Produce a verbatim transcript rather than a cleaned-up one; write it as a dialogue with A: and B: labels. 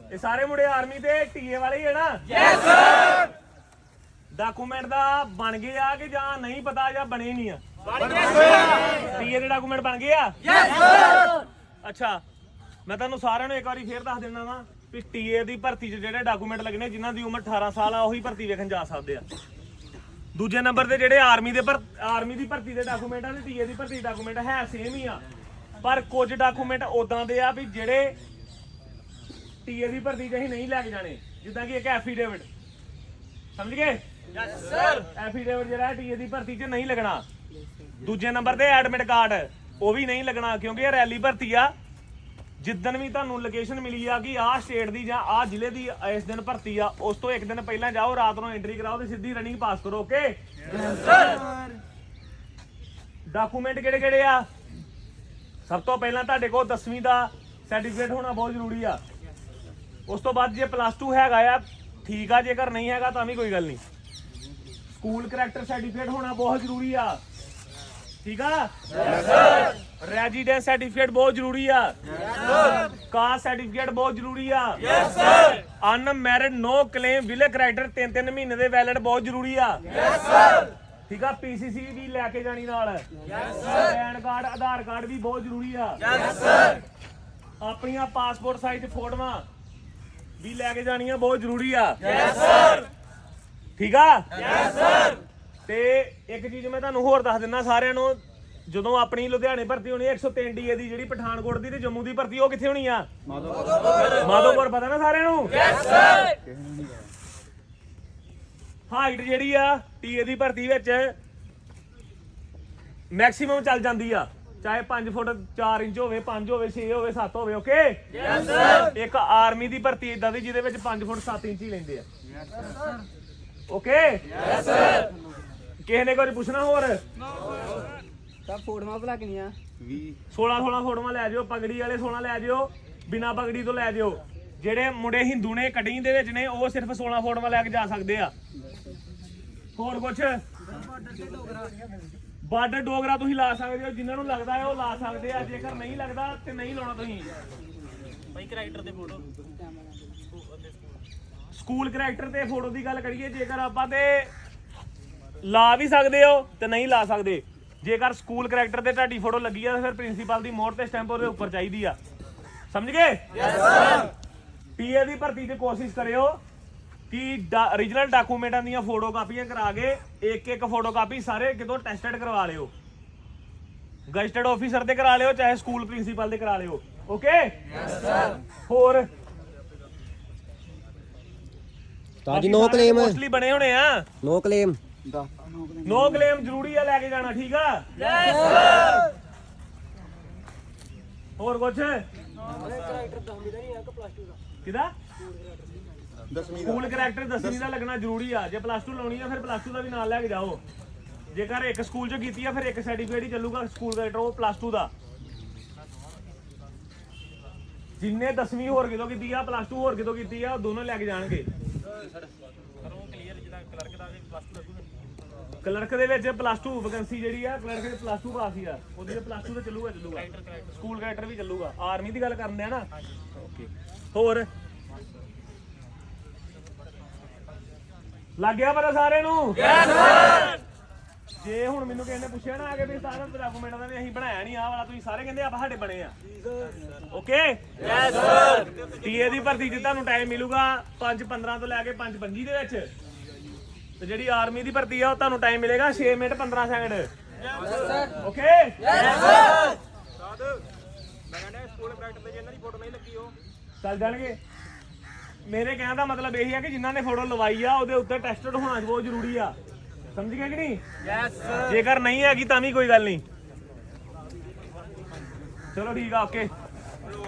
A: ਇਹ ਸਾਰੇ ਮੁੰਡੇ ਆਰਮੀ ਦੇ ਟੀਏ ਵਾਲੇ ਹੀ ਹੈ ਨਾ?
B: Yes sir.
A: ਡਾਕੂਮੈਂਟ ਦਾ ਬਣ ਗਏ ਆ ਕਿ ਜਾਂ ਨਹੀਂ ਪਤਾ ਜਾਂ ਬਣੇ ਨਹੀਂ ਆ?
B: ਬਣ ਗਏ ਸਰ।
A: ਟੀਏ ਦੇ ਡਾਕੂਮੈਂਟ ਬਣ ਗਏ ਆ?
B: Yes sir.
A: ਅੱਛਾ, ਮੈਂ ਤੁਹਾਨੂੰ ਸਾਰਿਆਂ ਨੂੰ ਇੱਕ ਵਾਰੀ ਫੇਰ ਦੱਸ ਦਿੰਦਾ ਵਾ ਵੀ ਟੀਏ ਦੀ ਭਰਤੀ 'ਚ ਜਿਹੜੇ ਡਾਕੂਮੈਂਟ ਲੱਗਣੇ, ਜਿਨ੍ਹਾਂ ਦੀ ਉਮਰ ਅਠਾਰਾਂ ਸਾਲ ਆ ਉਹੀ ਭਰਤੀ ਵੇਖਣ ਜਾ ਸਕਦੇ ਆ। ਦੂਜੇ ਨੰਬਰ ਤੇ ਜਿਹੜੇ ਆਰਮੀ ਦੇ ਪਰ ਆਰਮੀ ਦੀ ਭਰਤੀ ਦੇ ਡਾਕੂਮੈਂਟ ਆ ਤੇ ਟੀਏ ਦੀ ਭਰਤੀ ਡਾਕੂਮੈਂਟ ਹੈ ਸੇਮ ਹੀ ਆ, ਪਰ ਕੁਝ ਡਾਕੂਮੈਂਟ ਉਦਾਂ ਦੇ ਆ ਵੀ ਜਿਹੜੇ ਟੀਏ ਦੀ ਭਰਤੀ 'ਚ ਅਸੀਂ ਨਹੀਂ ਲੈ ਕੇ ਜਾਣੇ, ਜਿੱਦਾਂ ਕਿ ਇੱਕ ਐਫੀਡੇਵਿਟ, ਸਮਝ ਗਏ?
B: Yes sir.
A: ਐਫੀਡੇਵਿਟ ਜਿਹੜਾ ਟੀਏ ਦੀ ਭਰਤੀ 'ਚ ਨਹੀਂ ਲੱਗਣਾ। ਦੂਜੇ ਨੰਬਰ ਤੇ ਐਡਮਿਟ ਕਾਰਡ, ਉਹ ਵੀ ਨਹੀਂ ਲੱਗਣਾ, ਕਿਉਂਕਿ ਇਹ ਰੈਲੀ ਭਰਤੀ ਆ। ਜਿੱਦਣ ਵੀ ਤੁਹਾਨੂੰ ਲੋਕੇਸ਼ਨ ਮਿਲੀ ਆ ਕਿ ਆਹ ਸਟੇਟ ਦੀ ਜਾਂ ਆਹ ਜ਼ਿਲ੍ਹੇ ਦੀ ਇਸ ਦਿਨ ਭਰਤੀ ਆ, ਉਸ ਤੋਂ ਇੱਕ ਦਿਨ ਪਹਿਲਾਂ ਜਾਓ, ਰਾਤ ਨੂੰ ਐਂਟਰੀ ਕਰਾਓ ਤੇ ਸਿੱਧੀ ਰਨਿੰਗ ਪਾਸ ਕਰੋ। Okay
B: yes sir.
A: ਡਾਕੂਮੈਂਟ ਕਿਹੜੇ ਕਿਹੜੇ ਆ? ਸਭ ਤੋਂ ਪਹਿਲਾਂ ਤੁਹਾਡੇ ਕੋਲ ਦਸਵੀਂ ਦਾ ਸਰਟੀਫਿਕੇਟ ਹੋਣਾ ਬਹੁਤ ਜ਼ਰੂਰੀ ਆ। ਉਸ ਤੋਂ ਬਾਅਦ ਜੇ ਪਲੱਸ ਟੂ ਹੈਗਾ ਆ ਠੀਕ ਆ, ਜੇਕਰ ਨਹੀਂ ਹੈਗਾ ਤਾਂ ਵੀ ਕੋਈ ਗੱਲ ਨਹੀਂ। ਸਕੂਲ ਕਰੈਕਟਰ ਸਰਟੀਫਿਕੇਟ ਹੋਣਾ ਬਹੁਤ ਜ਼ਰੂਰੀ ਆ, ਠੀਕ ਆ?
B: Yes sir.
A: ਰੈਜ਼ੀਡੈਂਸ ਸਰਟੀਫਿਕੇਟ ਬਹੁਤ ਜ਼ਰੂਰੀ ਆ।
B: Yes sir.
A: ਕਾਸਟ ਸਰਟੀਫਿਕੇਟ ਬਹੁਤ ਜ਼ਰੂਰੀ ਆ।
B: Yes sir.
A: Unmarried no claim ਵਿਲੇ ਕਰੈਕਟਰ ਤਿੰਨ ਤਿੰਨ ਮਹੀਨੇ ਦੇ ਵੈਲਿਡ ਬਹੁਤ ਜ਼ਰੂਰੀ ਆ।
B: Yes sir.
A: ਠੀਕ ਆ? ਪੀਸੀਸੀ ਵੀ ਲੈ ਕੇ ਜਾਣੀ ਨਾਲ।
B: Yes sir.
A: PAN card, Aadhaar card ਵੀ ਬਹੁਤ ਜ਼ਰੂਰੀ ਆ।
B: Yes sir.
A: ਆਪਣੀਆਂ ਪਾਸਪੋਰਟ ਸਾਈਜ਼ ਫੋਟੋਆਂ ਵੀ ਲੈ ਕੇ ਜਾਣੀਆਂ ਬਹੁਤ ਜ਼ਰੂਰੀ ਆ।
B: Yes sir.
A: ਠੀਕ ਆ?
B: Yes sir.
A: ਤੇ ਇੱਕ ਚੀਜ਼ ਮੈਂ ਤੁਹਾਨੂੰ ਹੋਰ ਦੱਸ ਦਿੰਦਾ ਸਾਰਿਆਂ ਨੂੰ, ਜਦੋਂ ਆਪਣੀ ਲੁਧਿਆਣੇ ਭਰਤੀ ਹੋਣੀ ਇੱਕ ਸੌ ਤਿੰਨ ਡੀ ਏ ਦੀ, ਜਿਹੜੀ ਪਠਾਨਕੋਟ ਦੀ ਤੇ ਜੰਮੂ ਦੀ ਭਰਤੀ, ਉਹ ਕਿੱਥੇ ਹੋਣੀ ਆ? ਮਾਧੋਪੁਰ। ਪਤਾ ਨਾ ਸਾਰਿਆਂ ਨੂੰ?
B: Yes sir.
A: ਹਾਈਟ ਜਿਹੜੀ ਆ ਟੀਏ ਦੀ ਭਰਤੀ ਵਿੱਚ ਮੈਕਸਿਮਮ ਚੱਲ ਜਾਂਦੀ ਆ, ਚਾਹੇ ਪੰਜ ਫੁੱਟ ਚਾਰ ਇੰਚ ਹੋਵੇ, ਪੰਜ ਹੋਵੇ, ਛੇ ਹੋਵੇ, ਸੱਤ ਹੋਵੇ। Okay
B: yes sir.
A: ਇੱਕ ਆਰਮੀ ਦੀ ਭਰਤੀ ਇਦਾਂ ਦੀ ਜਿਹਦੇ ਵਿੱਚ ਪੰਜ ਫੁੱਟ ਸੱਤ ਇੰਚ ਹੀ ਲੈਂਦੇ ਆ। Okay
B: yes sir.
A: ਕਿਸੇ ਨੇ ਕੁਝ ਪੁੱਛਣਾ ਹੋਰ?
C: ਸਭ ਫੋਟੋਆਂ ਭਲਾ ਕਿੰਨੀਆਂ?
A: ਸੋਲਾਂ ਸੋਲਾਂ ਫੋਟੋਆਂ ਲੈ ਜਿਓ, ਪਗੜੀ ਵਾਲੇ ਸੋਲਾਂ ਲੈ ਜਿਓ, ਬਿਨਾ ਪਗੜੀ ਤੋਂ ਲੈ ਜਿਓ। ਜਿਹੜੇ ਮੁੰਡੇ ਹਿੰਦੂ ਨੇ ਕਟਿੰਗ ਦੇ ਵਿੱਚ ਨੇ, ਉਹ ਸਿਰਫ ਸੋਲਾਂ ਫੋਟੋਆਂ ਲੈ ਕੇ ਜਾ ਸਕਦੇ ਆ। ਹੋਰ ਕੁਛ? ਬਾਰਡਰ ਡੋਗਰਾ ਤੁਸੀਂ ਲਾ ਸਕਦੇ ਹੋ, ਜਿਨ੍ਹਾਂ ਨੂੰ ਲੱਗਦਾ ਹੈ ਉਹ ਲਾ ਸਕਦੇ ਆ, ਜੇਕਰ ਨਹੀਂ ਲੱਗਦਾ ਤੇ ਨਹੀਂ ਲਾਉਣਾ ਤੁਸੀਂ।
D: ਬਾਈ ਕਰੈਕਟਰ ਦੇ ਫੋਟੋ
A: ਸਕੂਲ ਕਰੈਕਟਰ ਤੇ ਫੋਟੋ ਦੀ ਗੱਲ ਕਰੀਏ, ਜੇਕਰ ਆਪਾਂ ਤੇ ਲਾ ਵੀ ਸਕਦੇ ਹੋ ਤੇ ਨਹੀਂ ਲਾ ਸਕਦੇ। ਜੇਕਰ ਸਕੂਲ ਕਰੈਕਟਰ ਤੇ ਤੁਹਾਡੀ ਫੋਟੋ ਲੱਗੀ ਆ ਤਾਂ ਫਿਰ ਪ੍ਰਿੰਸੀਪਲ ਦੀ ਮੋਹਰ ਤੇ ਸਟੈਂਪ ਉਹਦੇ ਉੱਪਰ ਚਾਹੀਦੀ ਆ, ਸਮਝ ਗਏ?
B: Yes sir.
A: ਪੀਏ ਦੀ ਭਰਤੀ 'ਚ ਕੋਸ਼ਿਸ਼ ਕਰਿਓ ਕਿ ਓਰੀਜਨਲ ਡਾਕੂਮੈਂਟਾਂ ਦੀਆਂ ਫੋਟੋ ਕਾਪੀਆਂ ਕਰਾ ਕੇ ਇੱਕ ਇੱਕ ਫੋਟੋ ਕਾਪੀ ਸਾਰੇ ਕਿਤੋਂ ਟੈਸਟਡ ਕਰਵਾ ਲਿਓ। ਗਜ਼ਟਡ ਆਫੀਸਰ ਤੇ ਕਰਾ ਲਿਓ, ਚਾਹੇ ਸਕੂਲ ਪ੍ਰਿੰਸੀਪਲ ਤੇ ਕਰਾ ਲਿਓ। Okay
B: yes sir.
A: ਹੋਰ
E: ਤਾਂ ਜੀ ਨੋ ਕਲੇਮ
A: ਮੋਸਟਲੀ ਬਣੇ ਹੋਣੇ ਆ।
E: ਨੋ ਕਲੇਮ
A: ਨੋ ਕਲੇਮ ਜ਼ਰੂਰੀ ਆ ਲੈ ਕੇ ਜਾਣਾ, ਠੀਕ ਆ?
B: Yes sir.
A: ਹੋਰ ਕੁਛ? ਕਿਹਦਾ? ਸਕੂਲ ਕਰੈਕਟਰ ਦਸਵੀਂ ਦਾ ਲੱਗਣਾ ਜ਼ਰੂਰੀ ਆ। ਜੇ ਪਲੱਸ ਟੂ ਲਾਉਣੀ ਆ ਫਿਰ ਪਲੱਸ ਟੂ ਦਾ ਵੀ ਨਾਲ ਲੈ ਕੇ ਜਾਓ। ਜੇਕਰ ਇੱਕ ਸਕੂਲ 'ਚ ਕੀਤੀ ਆ ਫਿਰ ਇੱਕ ਸਰਟੀਫਿਕੇਟ ਹੀ ਚੱਲੂਗਾ ਸਕੂਲ ਕਰੈਕਟਰ, ਉਹ ਪਲੱਸ ਟੂ ਦਾ। ਜਿੰਨੇ ਦਸਵੀਂ ਹੋਰ ਕਿਤੋਂ ਕੀਤੀ ਆ, ਪਲੱਸ ਟੂ ਹੋਰ ਕਿਤੋਂ ਕੀਤੀ ਆ, ਉਹ ਦੋਨੋਂ ਲੈ ਕੇ ਜਾਣਗੇ।
D: ਕਰੋ ਕਲੀਅਰ, ਜਿਹਦਾ ਕਲਰਕ ਦਾ ਪਲੱਸ ਟੂ ਲੱਗੂਗਾ।
A: ਕਲਰਕ ਦੇ ਵਿੱਚ ਪਲੱਸ ਟੂ ਵੈਕੈਂਸੀ ਜਿਹੜੀ ਆ, ਕਲਰਕ ਦੇ ਪਲੱਸ ਟੂ ਪਾਸ ਹੀ ਆ, ਉਹਦੀ ਪਲੱਸ ਟੂ ਤੇ ਚੱਲੂਗਾ ਚੱਲੂਗਾ ਸਕੂਲ ਕਰੈਕਟਰ ਵੀ ਚੱਲੂਗਾ। ਆਰਮੀ ਦੀ ਗੱਲ ਕਰਦੇ ਆ ਨਾ। ਓਕੇ ਹੋਰ ਲੱਗ ਗਿਆ ਪਤਾ ਸਾਰਿਆਂ ਨੂੰ?
B: Yes sir.
A: ਜੇ ਹੁਣ ਮੈਨੂੰ ਕਿਸੇ ਨੇ ਪੁੱਛਿਆ ਨਾ ਆ ਕੇ ਵੀ ਸਾਰਾ ਡਾਕੂਮੈਂਟਾਂ ਦਾ ਵੀ ਅਸੀਂ ਬਣਾਇਆ ਨਹੀਂ, ਆਹ ਵਾਲਾ ਤੁਸੀਂ ਸਾਰੇ ਕਹਿੰਦੇ ਆਪਾਂ ਸਾਡੇ ਬਣੇ ਆ। Okay
B: yes sir.
A: ਟੀਏ ਦੀ ਭਰਤੀ 'ਚ ਤੁਹਾਨੂੰ ਟਾਈਮ ਮਿਲੂਗਾ ਪੰਜ ਪੰਦਰਾਂ ਤੋਂ ਲੈ ਕੇ ਪੰਜ ਪੰਜੀ ਦੇ ਵਿੱਚ, ਤੇ ਜਿਹੜੀ ਆਰਮੀ ਦੀ ਭਰਤੀ ਆ ਉਹ ਤੁਹਾਨੂੰ ਟਾਈਮ ਮਿਲੇਗਾ ਛੇ ਮਿੰਟ ਪੰਦਰਾਂ ਸੈਕਿੰਡ। Okay
B: yes sir.
D: ਮੈਂ ਕਹਿੰਦਾ ਸਕੂਲ ਕਰੈਕਟਰ ਤੇ ਜੇ ਇਹਨਾਂ ਦੀ ਫੋਟੋ ਨਹੀਂ ਲੱਗੀ ਉਹ
A: ਚੱਲ ਜਾਣਗੇ। ਮੇਰੇ ਕਹਿਣ ਦਾ ਮਤਲਬ ਇਹ ਹੈ ਕਿ ਜਿਨ੍ਹਾਂ ਨੇ ਫੋਟੋ ਲਵਾਈ ਆ ਉਹਦੇ ਉੱਤੇ ਟੈਸਟਡ ਹੋਣਾ ਬਹੁਤ ਜ਼ਰੂਰੀ ਆ, ਸਮਝ ਗਏ ਕਿ ਨਹੀਂ?
B: Yes sir.
A: ਜੇਕਰ ਨਹੀਂ ਹੈਗੀ ਤਾਂ ਵੀ ਕੋਈ ਗੱਲ ਨਹੀਂ। ਚਲੋ ਠੀਕ ਆ, ਓਕੇ।